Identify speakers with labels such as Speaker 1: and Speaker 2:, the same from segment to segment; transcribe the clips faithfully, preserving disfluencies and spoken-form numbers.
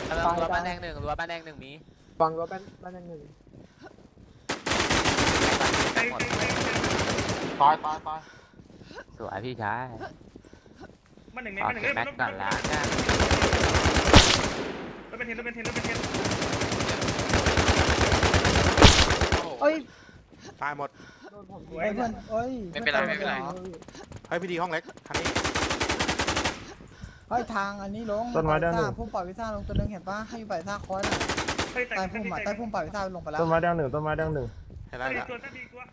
Speaker 1: รั้วบ้านแดงหนึ่งรั้วบ้านแดงหนึ่งมี
Speaker 2: ฟังรั้วบ้านบ้านแดงหนึ่งตายตายตาย
Speaker 1: สวยพี่ชาย
Speaker 3: บ้านหนึ่ง
Speaker 1: ขอเก็บแม็กก่อนละกัน
Speaker 3: รถเป็นเทนรถเป็นเทนรถเป็นเทน
Speaker 2: เอ้ย
Speaker 4: ตายหมด
Speaker 2: โดนผมเพื่อนเอ้ย
Speaker 5: ไม่เป็นไรไม่เป็นไร
Speaker 4: ให้พี่ดีห้องเล็กคันนี้
Speaker 2: เฮ้ยทางอันนี้ลงต้นไม้ด้านหนึ่งพุ่มปล่อยวิซ่าลงตัวนึงเห็นปะให้อยู่ปล่อยวิซ่าคอยน่ะใต้พุ่มอ่ะใต้พุ่มปล่อยวิซ่าลงไปแล้ว
Speaker 6: ต้นไม้ด้านหนึ่งต้นไม้ด้านหนึ่ง
Speaker 4: เห็นแล้วเนี่ย
Speaker 3: ตัวตัวตัว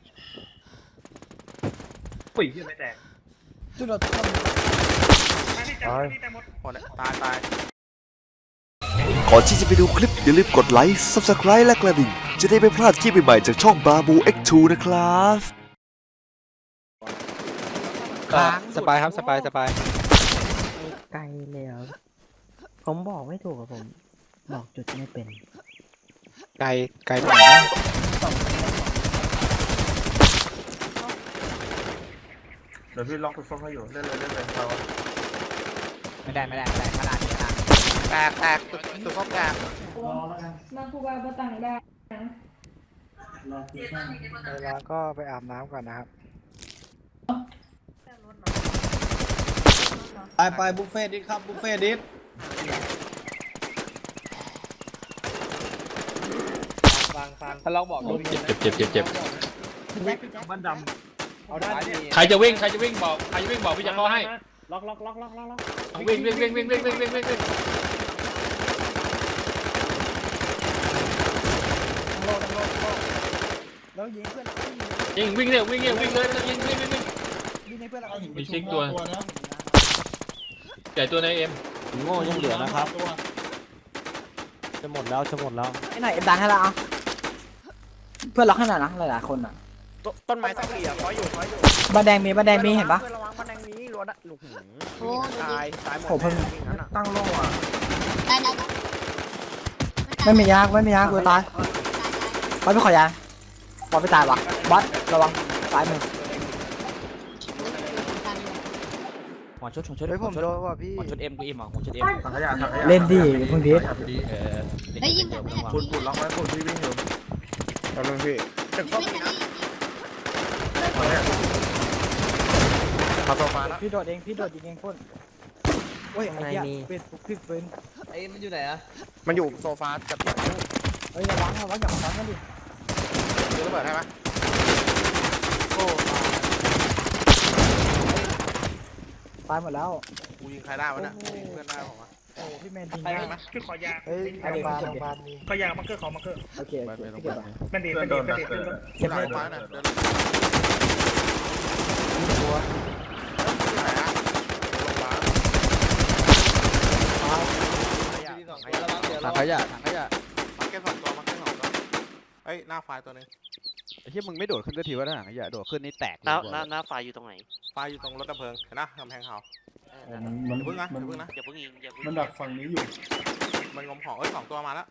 Speaker 6: ปุ๋ยยังไม่แตก
Speaker 2: จุดรถต้น
Speaker 4: ตายหมดตายตาย
Speaker 7: ก่อนที่จะไปดูคลิปอย่าลืมกดไลค์ ซับสไครบ์ และกระดิ่งจะได้ไม่พลาดคลิปใหม่ๆจากช่องบาบู เอ็กซ์ ทู นะครับ
Speaker 8: สบายครับสบายสบาย
Speaker 9: ไกลเลยครับผมบอกไม่ถูกครับผมบอกจุดไม่เป็น
Speaker 8: ไกลไกลตรงไหน
Speaker 6: เดี๋ยวพี่ล็อกตัวส้มให้อยู่เล่นเลยเล่นเลยเรา
Speaker 1: ไม่ได้ไม่ได้ไม่ได้ขนาดนี้นะแตกแตกตุกตุกส้มแตก
Speaker 10: มาคูบาบตังได้
Speaker 8: เวลาก็ไปอาบน้ำก่อนนะครับ
Speaker 2: ไปไปบุฟเฟ่ดิครับบุฟเฟ่ดิ
Speaker 8: ฟังฟังถ้าเราบอก
Speaker 5: เจ็บเจ็บเจ็บเจ็บ
Speaker 6: บ้านดำ
Speaker 8: เอาได้
Speaker 5: ใครจะวิ่งใครจะวิ่งบอกใครจะวิ่งบอกพี่จะเข้าให้
Speaker 6: ล็อกล็อกล็อกล็อกล็อก
Speaker 5: วิ่งวิ่งวิ่งวิ่งวิ่งวิ่งวิ่งวิ่งวิ่ง
Speaker 2: แล้วยิงเพื่อน
Speaker 5: ยิงวิ่งเร็ววิ่งเร็ววิ่งเลยยิงวิ่งวิ่งวิ่ง
Speaker 2: ยิงให้เพื่อนเรา
Speaker 5: มีชิกตัวใหญ่ตัวในเอ็ม
Speaker 6: โง่ยังเหลือนะครับจะหมดแล้วจะหมดแล้ว
Speaker 2: ไอ้ไหนดันให้ละอ่ะเพื่อนล็อกให้หน่อยนะหลายๆคนอ่ะ
Speaker 1: ต้นไม้สักเหลี่ยมคอยอยู่คอยอยู่
Speaker 2: บ้านแดงมีบ้านแดงมีเห็นปะ
Speaker 1: ระวังบ้านแดงมีรั้วลูกหูตายตายหมด
Speaker 2: ผมเพิ่ง
Speaker 6: ตั้งโล่อ่ะ
Speaker 10: ได้แล้ว
Speaker 2: ไม่มียากไม่มียากกูตายบอสไม่ขอยาบอสไม่ตายวะบอสระวังตายมึง
Speaker 1: หัวชุดหัวชุดหัวชุดหัวชุดเอ็มกูอิ่มอ่ะหัวชุดเอ็ม
Speaker 6: ถังขยะถังขยะ
Speaker 2: เล่นดิเพิ่งพีท
Speaker 1: เออ
Speaker 10: ได้ยินแบบไม่อยาก
Speaker 6: ปุ่นปุ่นล็อกไว้ปุ่นพี่วิ่งอยู่ตอนนึงพี่ตึกส้มนะมาโซฟาแล้ว
Speaker 2: พี่โดดเองพี่โดดยิงเองพ่นโอ้ยไอ้เหี้ยเป็นพี่เป็น
Speaker 1: ไอ้มันอยู่ไหนอ่ะ
Speaker 4: มันอยู่โซฟากับ
Speaker 2: เฮ้ยระวังระวังอย่ามาซ้อนกันดิ
Speaker 4: ดูระเบิดให้ไหมโอ้
Speaker 2: ตายหมดแล้ว
Speaker 4: กูยิงใครได้วะเนี่ยยิงเพื่อนได้ผมวะ
Speaker 2: โอ้พี่แมนยิง
Speaker 3: ได้ไหมคือขอยา
Speaker 2: เฮ้ยโรงพยาบาลโรงพยาบาลมี
Speaker 3: ขอยามังเกอร์ขอมังเกอร์
Speaker 2: โอเคโอเคพี่เก็บ
Speaker 3: เป็นดีเป็นดีเป็นดี
Speaker 4: เก็บเลยมาหน่อยตัว
Speaker 8: ถังขยะถังขยะ
Speaker 4: มาเก็ตสองตัวมาเก็ตสองตัวเฮ้ยหน้าไฟตัวนึง
Speaker 8: ไอ้ที่มึงไม่โดดขึ้นก็ทีว่าถังขยะโดดขึ้นนี่แตก
Speaker 5: หน้าหน้าหน้าไฟอยู่ตรงไหน
Speaker 4: ไฟอยู่ตรงรถดับเพลิงเห็นนะกำแพงเขา
Speaker 6: มัน
Speaker 4: อย่าพึ่งนะอย่าพึ่งนะ
Speaker 5: อย่าเพิ่งยิงอย่าเพิ่ง
Speaker 6: มันดักฝั่งนี้อยู่
Speaker 4: มันงมของเอ้ยสองตัวมาแล้ว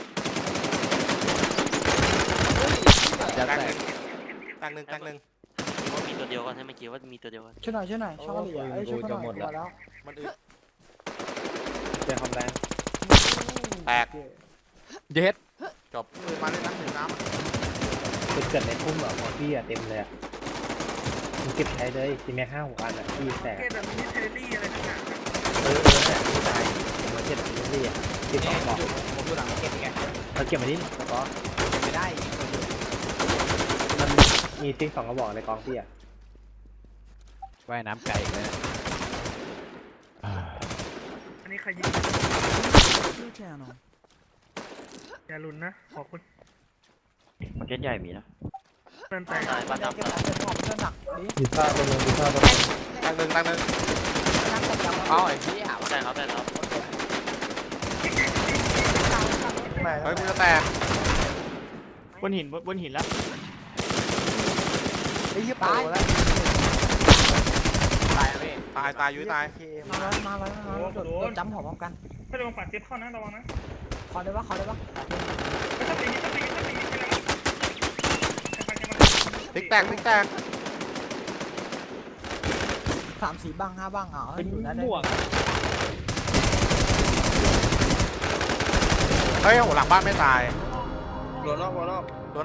Speaker 8: จะ
Speaker 4: แต
Speaker 8: แต
Speaker 4: ก
Speaker 8: ก
Speaker 4: แตกหนึ่งแตกหนึ่ง
Speaker 5: ว่ามีตัวเดียวกันใช่ไหมคิดว่ามีตัวเดียวกัน
Speaker 2: ช่วยหน่อยช่วยหน่อยช่วยเหลือไอ้ช่วยหน่อยมาแล้ว
Speaker 4: มันอึด
Speaker 6: เจ็บความแรง
Speaker 4: แตก
Speaker 8: เย็ด
Speaker 4: จบมาเลยนะถึงน้ำ
Speaker 6: จุดเกิดในพุ่มอ่ะพอพี่อ่ะเต็มเลยอ่ะมึงเก็บใช้เลยทีแม็กห้าหกอันอ่ะพี่แตก
Speaker 3: เกมแบบนี้เทเลตี้อะไรทั้งนั้น
Speaker 6: เออเออแต่พี่ตายมาเก็บทีนี่อ่ะเก็บสองบอก
Speaker 1: ผมอยู่หลังเก็บไง
Speaker 6: เราเก็บมาดิก็
Speaker 1: ไม่ได้
Speaker 6: มันมีซิงสองกระบอกในกองพี่อ่ะ
Speaker 8: ว่ายน้ำไก่เลย
Speaker 3: อันนี้ใครยิงอย่าลุ้นนะขอบคุณ
Speaker 5: มันเก็ตใหญ่มีนะ
Speaker 3: เพื่อนแต่
Speaker 5: ตายบ้านดำ
Speaker 2: เก็บเก็บของเพื่อนหนักดิ
Speaker 6: ดีซ่าตัวนึงดีซ่าตัวนึง
Speaker 4: แตกหนึ่งแตกหนึ่ง
Speaker 1: เอาไอ้พี่หา
Speaker 5: ใช่ครับใช่ครับ
Speaker 4: เฮ้ยมึงจะแตก
Speaker 6: บนหินบนหินแล้ว
Speaker 2: ไอ้ยี่ตายแล้ว
Speaker 1: ตายเลย
Speaker 4: ตายตายยุ้ยตาย
Speaker 2: มาแล้วมาแล้วมาแล้วโดดจ้ำหอมพร้อมกัน
Speaker 3: ถ้าโดนปัดเจ็บเข้านะระวังนะ
Speaker 2: ขอได้ปะขอได้ปะ
Speaker 3: ถ้าตีถ้าตีถ้าตี
Speaker 4: พลิกแตกพลิกแตก
Speaker 2: สามสี่บ้างห้าบ้างอ่ะอยู่นะได้
Speaker 6: ม่วง
Speaker 4: เฮ้ยโหหลังบ้านไม่ตาย
Speaker 11: รัวนอกรัวนอก